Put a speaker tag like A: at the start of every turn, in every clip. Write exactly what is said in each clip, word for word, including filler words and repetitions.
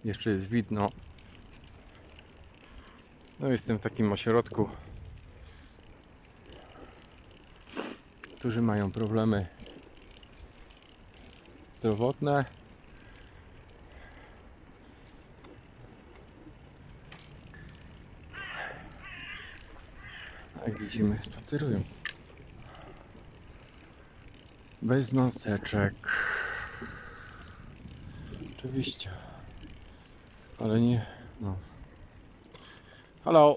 A: Jeszcze jest widno. No jestem w takim ośrodku, którzy mają problemy zdrowotne. Jak widzimy, spacerują. Bez maseczek. Oczywiście. Ale nie. No. Hallo.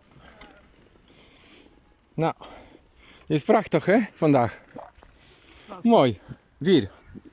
A: Nou, is prachtig hè, vandaag. Mooi, weer.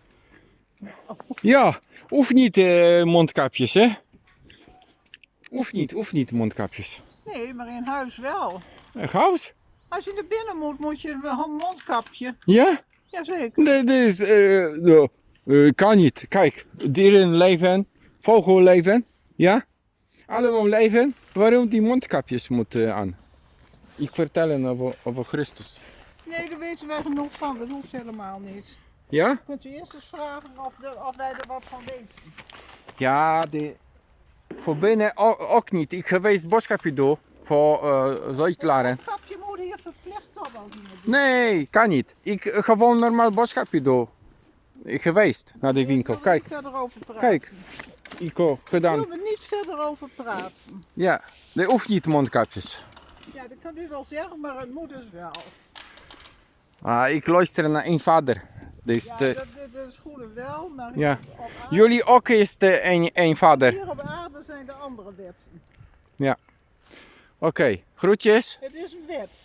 A: Ja, of niet uh, mondkapjes hè? Of niet, of niet mondkapjes.
B: Nee, maar in huis wel.
A: Uh, Gaus?
B: Als je naar binnen moet, moet je wel een mondkapje.
A: Ja?
B: Jazeker.
A: Dit is, uh, no, uh, kan niet. Kijk, dieren leven, vogel leven, ja? Allemaal leven. Waarom die mondkapjes moeten aan? Ik vertel over, over Christus.
B: Nee, daar weten wij genoeg van. Dat hoeft helemaal niet.
A: Ja?
B: Kunt u eerst eens vragen of, de, of wij er wat van weten.
A: Ja, de, voor binnen ook, ook niet. Ik geweest boodschapje doen voor uh, Zuid-Laren.
B: Het mondkapje moet hier verplicht worden als iemand doet.
A: Nee, kan niet. Ik uh, gewoon normaal boodschapje doen. Ik geweest naar de winkel.
B: Ik wil er
A: Kijk,
B: niet verder over praten.
A: kijk. Ik heb
B: Ik
A: gedaan.
B: wil er niet verder over praten.
A: Ja, er hoeft niet mondkapjes.
B: Ja, dat kan u wel zeggen, maar het moet dus wel.
A: Ah, ik luister naar een vader. Dus
B: Ja,
A: de,
B: dat, dat, dat is goed wel, maar
A: ja.
B: op aarde,
A: Jullie ook is de een, een vader.
B: hier op aarde zijn de andere wetten.
A: Ja. Oké, okay. Groetjes.
B: Het is een wet.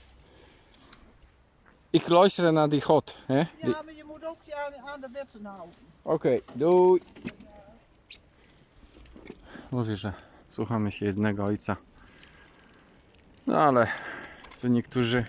A: Ik luister naar die God. Hè?
B: Ja,
A: Die...
B: maar je moet ook je aan, aan de wetten houden.
A: Oké, okay, doei. Mówię, że słuchamy się jednego ojca. No ale co niektórzy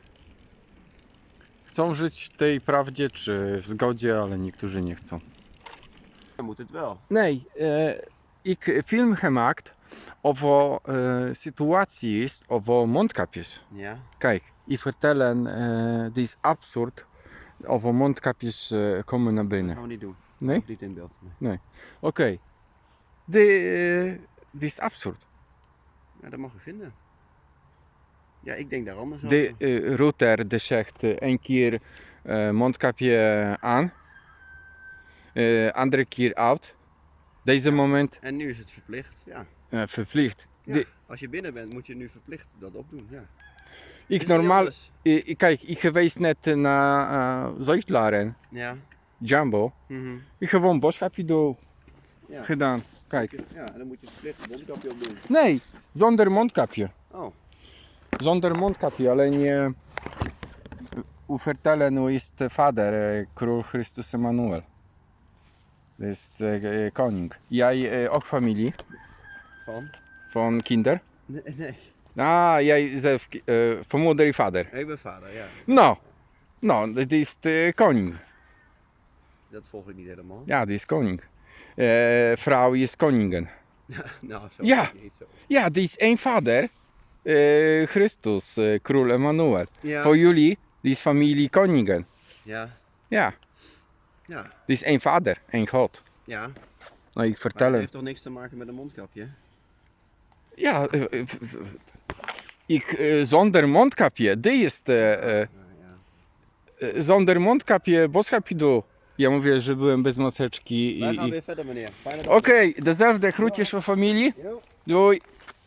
A: chcą żyć w tej prawdzie czy w zgodzie, ale niektórzy nie chcą.
C: Moet het wel.
A: Nee, eh, ik film gemaakt over eh, situatie is over mondkapjes.
C: Ja.
A: Kijk, ik vertel eh, dit is absurd over mondkapjes eh, komen naar
C: Dat
A: binnen.
C: gaan we niet doen.
A: Nee?
C: Ook niet in beeld. Nee.
A: Oké. Okay. Dit is absurd.
C: Ja, dat mag u vinden. Ja, ik denk daar anders
A: De
C: over.
A: uh, router de zegt uh, één keer uh, mondkapje aan, uh, andere keer uit. Deze moment
C: En nu is het verplicht. Ja.
A: uh, verplicht.
C: Ja.
A: De,
C: Als je binnen bent, moet je nu verplicht dat opdoen. Ja.
A: ik
C: Is niet
A: normaal,
C: anders.
A: uh, kijk, ik geweest net naar uh, Zuid-Laren,
C: Ja.
A: Jumbo.
C: Mhm.
A: Ik gewoon boodschapje door
C: Ja.
A: gedaan. Kijk,
C: Ja, en dan moet je verplicht een mondkapje opdoen.
A: nee, zonder mondkapje.
C: Oh.
A: Zonder mondkapje, alleen je u vertellen hoe is de vader, uh, król Chrystus Emanuel. Dus uh, koning. Jij uh, ook familie
C: Van?
A: van kinder?
C: Nee, nee.
A: Ah, jij zelf uh, van moeder en vader.
C: Ik ben vader, ja.
A: Nou, nou, dit is de koning.
C: Dat volg ik niet helemaal.
A: Ja, die is koning. Uh, vrouw is koningin.
C: Nou, zo
A: Ja.
C: is het niet zo.
A: Ja, die is één vader. Uh, Christus, uh, król Emanuel.
C: Ja.
A: Voor jullie, die is familie koningin.
C: Ja.
A: Ja,
C: Ja.
A: die is één vader, één God.
C: Ja.
A: Nou, ik
C: Maar
A: vertel
C: het
A: hem.
C: heeft toch niks te maken met een mondkapje?
A: Ja, uh, uh, ik, uh, zonder mondkapje, die is de, uh,
C: Ja, ja.
A: uh, zonder mondkapje boodschapje doe. Ja mówię, że byłem bez maseczki
C: Wij
A: i...
C: gaan
A: i...
C: weer verder, meneer. Fijne dag.
A: Okej, okay, dezelfde groetjes van familii.
C: Jo.
A: Doei.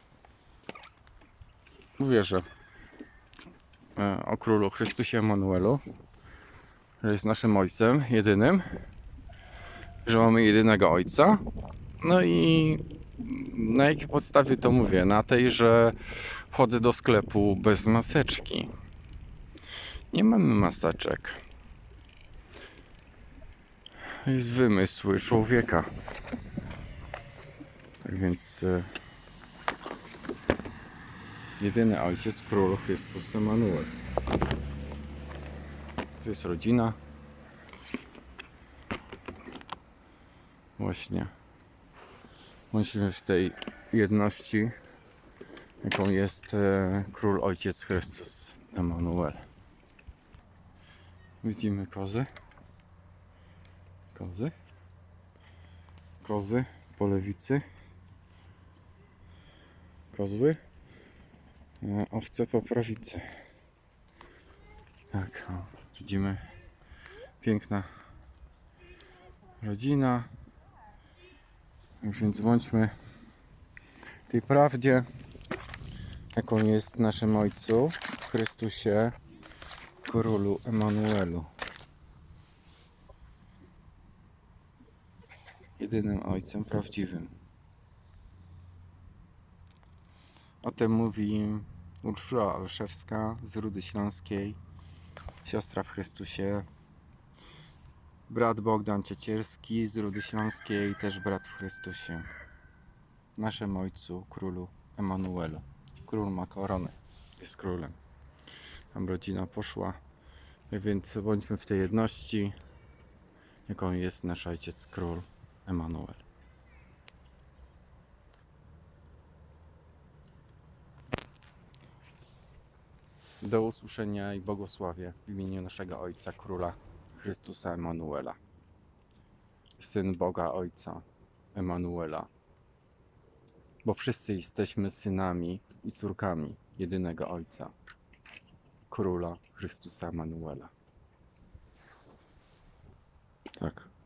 A: Mówię, że e, o królu Chrystusie Emanuelu, że jest naszym ojcem jedynym, że mamy jedynego ojca. No i na jakiej podstawie to mówię? Na tej, że wchodzę do sklepu bez maseczki. Nie mamy maseczek. To jest wymysł człowieka. Tak więc e, jedyny ojciec, król Chrystus Emanuel. To jest rodzina. Właśnie. Bądźmy w tej jedności, jaką jest e, król ojciec Chrystus Emanuel. Widzimy kozy. Kozy. Kozy po lewicy. kozły, a owce po prawicy. Tak, o, widzimy, piękna rodzina. Więc bądźmy tej prawdzie, jaką jest w naszym Ojcu, w Chrystusie, Królu Emanuelu. Jedynym Ojcem prawdziwym. O tym mówi Urszula Olszewska z Rudy Śląskiej, siostra w Chrystusie. Brat Bogdan Ciecierski z Rudy Śląskiej, też brat w Chrystusie. Naszym Ojcu, Królu Emanuelu. Król ma koronę, jest królem. Tam rodzina poszła, więc bądźmy w tej jedności, jaką jest nasz Ojciec Król Emanuel. Do usłyszenia i błogosławię w imieniu naszego Ojca Króla Chrystusa Emanuela. Syn Boga Ojca Emanuela. Bo wszyscy jesteśmy synami i córkami jedynego Ojca, Króla Chrystusa Emanuela. Tak.